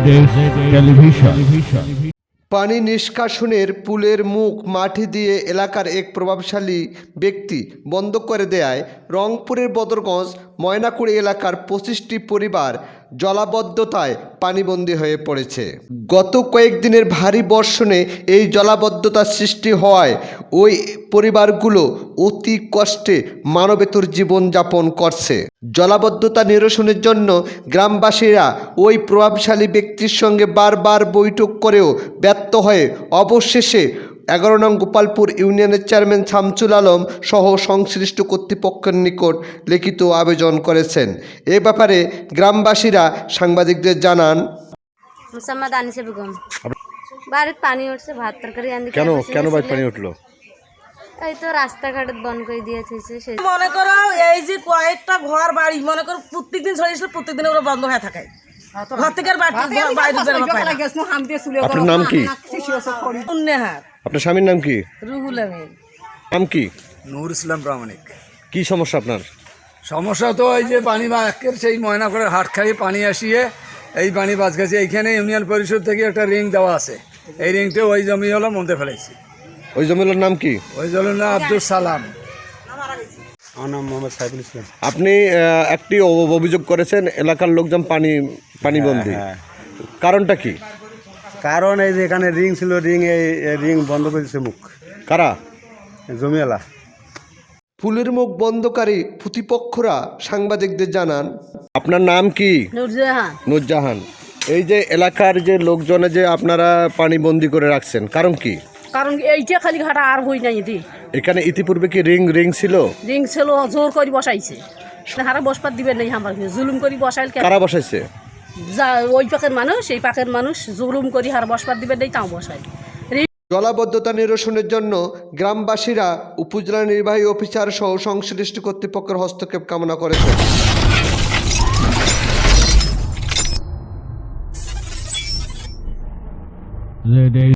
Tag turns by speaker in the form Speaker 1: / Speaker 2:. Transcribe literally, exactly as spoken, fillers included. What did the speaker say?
Speaker 1: Television.
Speaker 2: পানি নিষ্কাশনের পুলের মুখ মাটি দিয়ে এলাকার এক প্রভাবশালী ব্যক্তি বন্ধ করে দেয়ায় রংপুরের বদরগঞ্জ ময়নাকুড়ি এলাকার পঁচিশটি পরিবার জলাবদ্ধতায় পানিবন্দী হয়ে পড়েছে। গত কয়েকদিনের ভারী বর্ষণে এই জলাবদ্ধতার সৃষ্টি হওয়ায় ওই পরিবারগুলো অতি কষ্টে মানবেতর জীবনযাপন করছে। জলাবদ্ধতা নিরসনের জন্য গ্রামবাসীরা ওই প্রভাবশালী ব্যক্তির সঙ্গে বারবার বৈঠক করেও ব্যর্থ হয়ে অবশেষে এগারো নং গোপালপুর ইউনিয়নের চেয়ারম্যান শামসুল আলম সহ সংশ্লিষ্ট কর্তৃপক্ষের নিকট লিখিত আবেদন করেছেন। এ ব্যাপারে গ্রামবাসীরা সাংবাদিকদের জানান,
Speaker 3: মুসাম্মদ আনিসা বেগম, বাড়িতে পানি উঠছে, ভাত তরকারি আনতে
Speaker 4: কেন কেন বাড়িতে পানি উঠলো?
Speaker 3: এই তো রাস্তাঘাট বন্ধ করে দিয়েছে।
Speaker 5: মনে করো এই যে কয়েকটা ঘর বাড়ি মনে করো প্রত্যেকদিন ছড়িয়েছিল, প্রত্যেকদিন ওরা বন্ধ হয়ে থাকে। ঘর থেকে
Speaker 4: আপনার নাম কি? আপনার স্বামীর নাম কি?
Speaker 5: রুহুল আমিন।
Speaker 4: নাম কি?
Speaker 6: নূর ইসলাম প্রামাণিক।
Speaker 4: কি সমস্যা আপনার?
Speaker 6: সমস্যা তো এই যে পানি বা একের সেই ময়না করে হাট খাইয়ে পানি আসিয়ে এই পানি বাজ গেছে। এইখানে ইউনিয়ন পরিষদ থেকে একটা রিং দেওয়া আছে, এই রিংটা ওই জমি হলো মধ্যে ফেলেছি।
Speaker 4: ওই জমির নাম কি?
Speaker 6: ওই জমির নাম আব্দুল সালাম।
Speaker 7: আমার নাম মোহাম্মদ সাইফুল ইসলাম।
Speaker 4: আপনি আহ, একটি অ- অভিযোগ করেছেন এলাকার লোকজন পানি পানিবন্দী,
Speaker 7: হ্যাঁ।
Speaker 4: কারণটা কি?
Speaker 7: কারণ এই যে এখানে রিং ছিল, রিং এই রিং বন্ধ করে দিচ্ছে মুখ
Speaker 4: কারা?
Speaker 7: জমিওয়ালা।
Speaker 2: পুলের মুখ বন্ধকারী প্রতিপক্ষরা সাংবাদিকদের জানান,
Speaker 4: আপনার নাম কি?
Speaker 3: নুরজাহান।
Speaker 4: নুরজাহান। এই যে এলাকার যে লোকজনে যে আপনারা পানিবন্দী করে রাখছেন, কারণ কি?
Speaker 8: কারণ এইটা খালি ঘাটা আর হই নাই এদি।
Speaker 4: এখানে ইতিপূর্বে কি রিং রিং ছিল?
Speaker 8: রিং ছিল, জোর করে বসাইছে। হারা বসপাত দিবেন নাই, আমার জুলুম করে বসাইল।
Speaker 4: কারা বসাইছে?
Speaker 8: যা ওই পাকের মানুষ, এই পাকের মানুষ জুলুম করে হারা বসপাত দিবেন নাই, তাও বসাই।
Speaker 2: জলাবদ্ধতা নিরসনের জন্য গ্রামবাসীরা উপজেলা নির্বাহী অফিসার সহ সংশ্লিষ্ট কর্তৃপক্ষের হস্তক্ষেপ কামনা করেছেন।